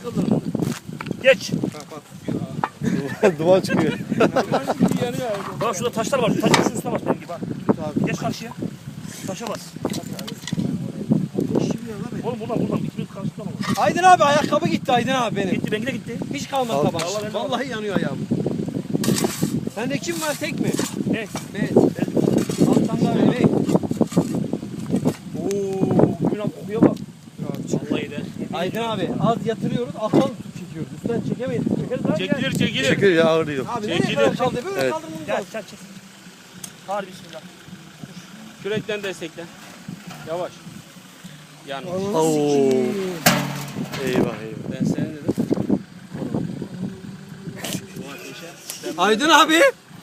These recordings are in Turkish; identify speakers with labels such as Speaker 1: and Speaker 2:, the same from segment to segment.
Speaker 1: kıldırın. Geç.
Speaker 2: Duman çıkıyor.
Speaker 1: Bak şurada taşlar var. Taşın üstüne bas benim gibi ha. Geç karşıya. Taşa bas. Oğlum buradan. İkimiz karşıdan olur.
Speaker 3: Aydın abi ayakkabı gitti Aydın abi benim.
Speaker 1: Gitti benimki de gitti.
Speaker 3: Hiç kalmadı tabaş.
Speaker 1: Vallahi
Speaker 3: yanıyor ayağım. Sende kim var tek mi?
Speaker 1: Ne?
Speaker 3: Evet. Alttan da öyle.
Speaker 1: Ooo. Bugün abi kokuya bak. Vallahi de.
Speaker 3: Aydın abi az yatırıyoruz atal tut çekiyoruz. Üstten çekemeyiz.
Speaker 1: Çekeriz abi.
Speaker 4: Çekilir.
Speaker 2: Çekiyor ya ağır değil.
Speaker 3: Abi nereye
Speaker 4: Çekilir.
Speaker 3: kadar kaldı? Böyle
Speaker 2: Evet.
Speaker 3: kaldırmamız
Speaker 1: Gel
Speaker 3: lazım.
Speaker 1: çek. Hadi bismillah.
Speaker 4: Kürekten desteklen. Yavaş. Yanlış.
Speaker 2: Oo. Eyvah.
Speaker 4: Ben senin dedim.
Speaker 3: Aydın abi.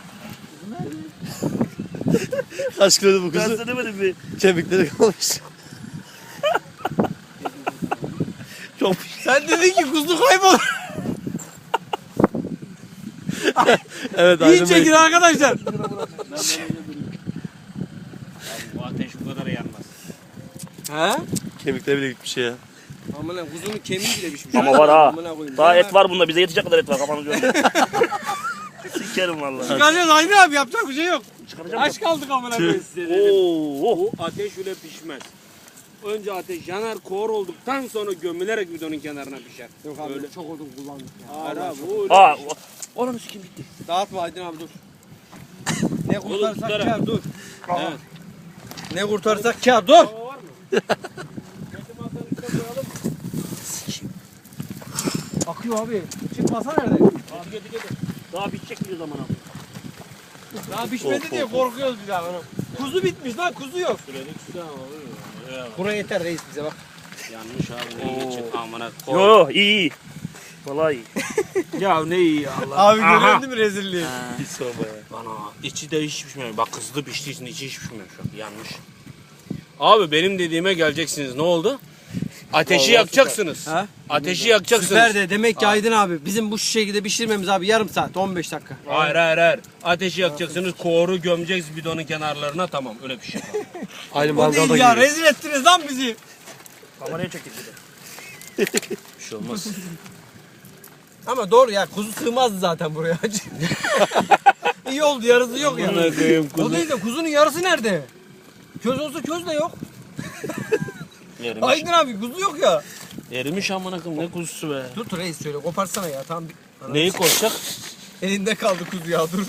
Speaker 2: Kaç kilodu bu
Speaker 1: Ben
Speaker 2: kuzu?
Speaker 1: sana demedim mi?
Speaker 2: Kemikleri kalmış. Çok
Speaker 3: Sen dedin ki kuzu kaybolur.
Speaker 2: evet
Speaker 3: İyi
Speaker 2: Aydın Bey.
Speaker 3: çekin arkadaşlar.
Speaker 4: Bu ateş bu kadar yanmaz.
Speaker 3: He?
Speaker 2: Kemikleri bile gitmiş ya.
Speaker 3: Aman lan kuzunun kemiği bile pişmiş.
Speaker 1: Ama var ha.
Speaker 3: Amına koyayım.
Speaker 1: Daha et var bunda. Bize yetecek kadar et var. Kafanı görme. Sikerim vallahi.
Speaker 3: Çıkaracağız Aydın abi yapacak bir şey yok.
Speaker 1: Çıkaracağım.
Speaker 3: Aç kaldık amına koyayım.
Speaker 4: Size dedim.
Speaker 1: Oo.
Speaker 4: Bu ateş öyle pişmez. Önce ateş yanar, kor olduktan sonra gömülerek bidonun kenarına pişer.
Speaker 3: Yok abi
Speaker 4: Öyle.
Speaker 3: çok odun kullandık ya.
Speaker 4: Hayır abi bu öyle.
Speaker 1: Aa. Oğlum sikim gitti.
Speaker 3: Dağıtma Aydın abi dur. Ne kurtarsak
Speaker 4: tutarak.
Speaker 3: kâr dur.
Speaker 4: Evet.
Speaker 3: Ne kurtarsak kâr dur.
Speaker 4: Hava var mı? Getir masanın üstüne koyalım mı?
Speaker 3: Akıyor abi. Çıkmasa nerede?
Speaker 4: Abi getir.
Speaker 1: Daha bitecek bir zaman abi.
Speaker 3: Daha pişmedi diye korkuyoruz bir daha. Kuzu bitmiş lan kuzu yok.
Speaker 4: Süredik suda olur ya.
Speaker 3: Buraya yeter reis bize bak.
Speaker 4: Yanlış abi ne geçin amına
Speaker 1: Yo
Speaker 4: kor.
Speaker 1: yo iyi. Vallahi iyi.
Speaker 4: Ya ne iyi Allah.
Speaker 3: Abi
Speaker 4: Aha.
Speaker 3: görüyorsun değil mi rezilliği?
Speaker 2: Hiç sorma ya.
Speaker 4: Bana içi de hiç pişmiyor. Bak kızdı piştiği için içi hiç pişmiyor şu an. Yanlış. Abi benim dediğime geleceksiniz. Ne oldu? Ateşi yakacaksınız.
Speaker 3: Ha?
Speaker 4: Ateşi yakacaksınız.
Speaker 3: Süper de demek ki Aydın abi bizim bu şekilde pişirmemiz abi yarım saat 15 dakika.
Speaker 4: Hayır. Ateşi yakacaksınız. Koru gömeceksiniz bidonun kenarlarına. Tamam öyle bir şey.
Speaker 2: Aynı
Speaker 3: O
Speaker 2: mangalda
Speaker 3: değil ya
Speaker 2: gibi.
Speaker 3: rezil ettiniz lan bizi.
Speaker 1: Kameraya çektik bir de.
Speaker 4: Bir şey olmaz.
Speaker 3: Ama doğru ya kuzu sığmazdı zaten buraya. İyi oldu yarısı yok ya.
Speaker 4: Amına koyayım
Speaker 3: O değil de kuzunun yarısı nerede? Köz olsa köz de yok.
Speaker 4: Erimiş.
Speaker 3: Aydın abi kuzu yok ya.
Speaker 4: Erimiş amına koyayım ne kuzusu be.
Speaker 3: Tut reis şöyle koparsana ya tamam.
Speaker 4: Neyi koşacak?
Speaker 3: Elinde kaldı kuzu ya dur.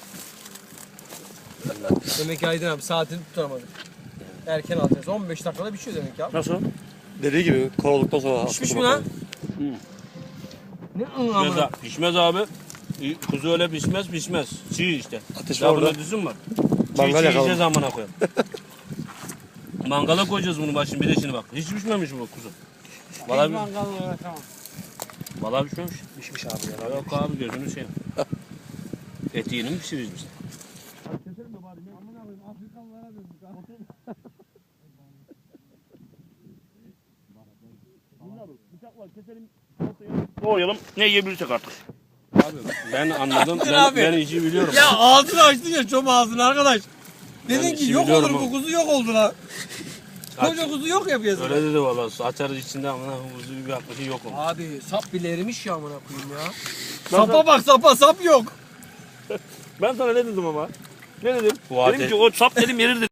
Speaker 3: Demek ki Aydın abi saatini tutamadık. Erken alacağız. 15 dakikada pişiyor demek ya.
Speaker 1: Nasıl?
Speaker 2: Dediği gibi kor olduktan sonra
Speaker 3: Pişmiş mi lan? Ne
Speaker 4: Pişmez, pişmez abi. Kuzu öyle pişmez. Çiğ işte.
Speaker 2: Ateş
Speaker 4: Ya
Speaker 2: var orada.
Speaker 4: bunda düzün var.
Speaker 2: Mangal
Speaker 4: Çiğ
Speaker 2: yakalım.
Speaker 4: yiyeceğiz amına koyayım. Mangala koyacağız bunu bak şimdi bir de şimdi bak. Hiç pişmemiş bu kuzu. Vallahi, vallahi pişmemiş.
Speaker 1: Pişmiş abi ya.
Speaker 4: Yok abi gözünü seveyim. Eti yeni mi pişiririz biz?
Speaker 1: Doğrayalım. Ne yiyebilirsek artık.
Speaker 4: Abi ben anladım.
Speaker 3: Abi.
Speaker 4: Ben işi biliyorum.
Speaker 3: Ya ağzını açtın ya çom ağzını arkadaş. Dedin
Speaker 4: Ben
Speaker 3: ki
Speaker 4: işi
Speaker 3: yok olur
Speaker 4: biliyorum
Speaker 3: bu
Speaker 4: ama.
Speaker 3: kuzu yok oldu lan.
Speaker 4: Aç.
Speaker 3: Koca kuzu yok ya piyasada.
Speaker 4: Öyle dedi vallahi. Açarız içinde amına kuzu bir yaklaşık yok olmuş.
Speaker 3: Abi sap bile erimiş ya amına koyayım ya. Sapa bak sap yok.
Speaker 1: Ben sana ne dedim ama? Ne dedim?
Speaker 4: Bu
Speaker 1: Dedim
Speaker 4: ateş-
Speaker 1: ki o sap dedim yerir dedim.